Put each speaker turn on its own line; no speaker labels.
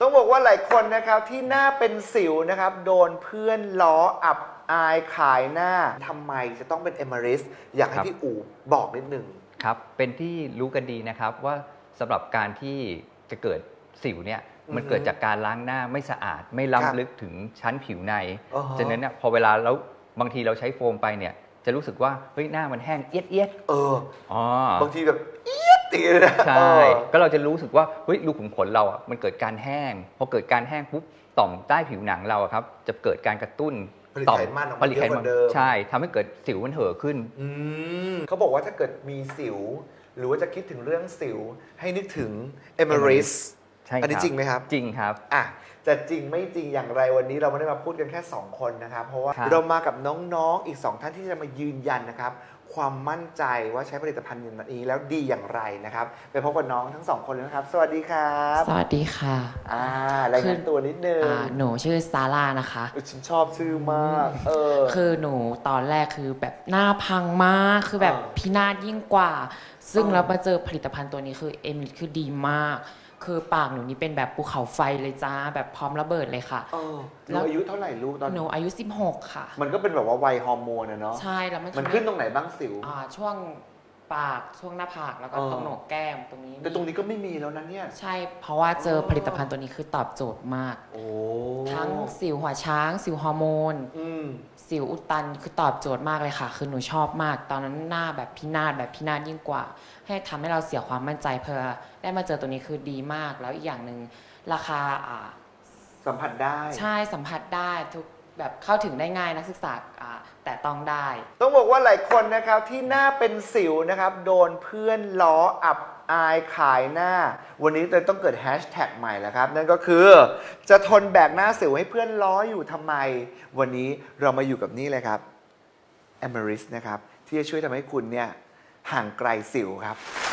ต้องบอกว่าหลายคนนะครับที่หน้าเป็นสิวนะครับโดนเพื่อนล้ออับอายขายหน้าทำไมจะต้องเป็นเอเมอริสอยากให้พี่อู๋บอกนิดนึง
ครับเป็นที่รู้กันดีนะครับว่าสำหรับการที่จะเกิดสิวเนี่ยมันเกิดจากการล้างหน้าไม่สะอาดไม่ล้ำลึกถึงชั้นผิวในฉะนั้นเนี่ยพอเวลาแล้วบางทีเราใช้โฟมไปเนี่ยจะรู้สึกว่าเฮ้ยหน้ามันแห้งเอียด
บางทีแบบเอียดตีเลยนะ
ใช่ก็เราจะรู้สึกว่าเฮ้ยรูขุมขนเราอ่ะมันเกิดการแห้งพอเกิดการแห้งปุ๊บต่อมใต้ผิวหนังเราครับจะเกิดการกระตุ้น
ต่อมผลิตไขมัน
ใช่ทำให้เกิดสิวมันเห่อขึ้น
เขาบอกว่าถ้าเกิดมีสิวหรือว่าจะคิดถึงเรื่องสิวให้นึกถึงเอเมอริสอันนี้จริงไหมครับ
จริงครับ
จะจริงไม่จริงอย่างไรวันนี้เราไม่ได้มาพูดกันแค่2คนนะครับเพราะว่าเรามากับน้องๆอีก2ท่านที่จะมายืนยันนะครับความมั่นใจว่าใช้ผลิตภัณฑ์นี้แล้วดีอย่างไรนะครับไปพบกับน้องทั้ง2คนเลยนะครับสวัสดีครับ
สวัสดีค่ะ
รายงานตัวนิดนึง
หนูชื่อซาร่านะคะ
ฉันชอบชื่อมาก
คือหนูตอนแรกคือแบบหน้าพังมากคือแบบพินาศยิ่งกว่าซึ่งเรามาเจอผลิตภัณฑ์ตัวนี้คือคือดีมากคือปากหนูนี่เป็นแบบภูเขาไฟเลยจ้าแบบพร้อมระเบิดเลยค่ะ
แล้วอายุเท่าไหร่ลูกตอน
หนูอายุ16ค่ะ
มันก็เป็นแบบว่าวัยฮอร์โมนเนาะ
ใช่แล้ว
มันขึ้นตรงไหนบ้างสิว
ช่วงปากช่วงหน้าผากแล้วก็ตรงโหนกแก้มตรงนี้
แต่ตรงนี้ก็ไม่มีแล้วนะเนี่ย
ใช่เพราะว่าเจอผลิตภัณฑ์ตัวนี้คือตอบโจทย์มากทั้งสิวหัวช้างสิวฮอร์โมนสิวอุดตันคือตอบโจทย์มากเลยค่ะคือหนูชอบมากตอนนั้นหน้าแบบพินาศยิ่งกว่าให้ทำให้เราเสียความมั่นใจเพื่อได้มาเจอตัวนี้คือดีมากแล้วอีกอย่างหนึ่งราคา
สัมผัสได้
ใช่สัมผัสได้ทุกแบบเข้าถึงได้ง่ายนักศึกษาแต่ต้องได้
ต้องบอกว่าหลายคนนะครับที่หน้าเป็นสิวนะครับโดนเพื่อนล้ออับอายขายหน้าวันนี้เลยต้องเกิดแฮชแท็กใหม่แล้วครับนั่นก็คือจะทนแบกหน้าสิวให้เพื่อนล้ออยู่ทำไมวันนี้เรามาอยู่กับนี่เลยครับAmerisนะครับที่จะช่วยทำให้คุณเนี่ยห่างไกลสิวครับ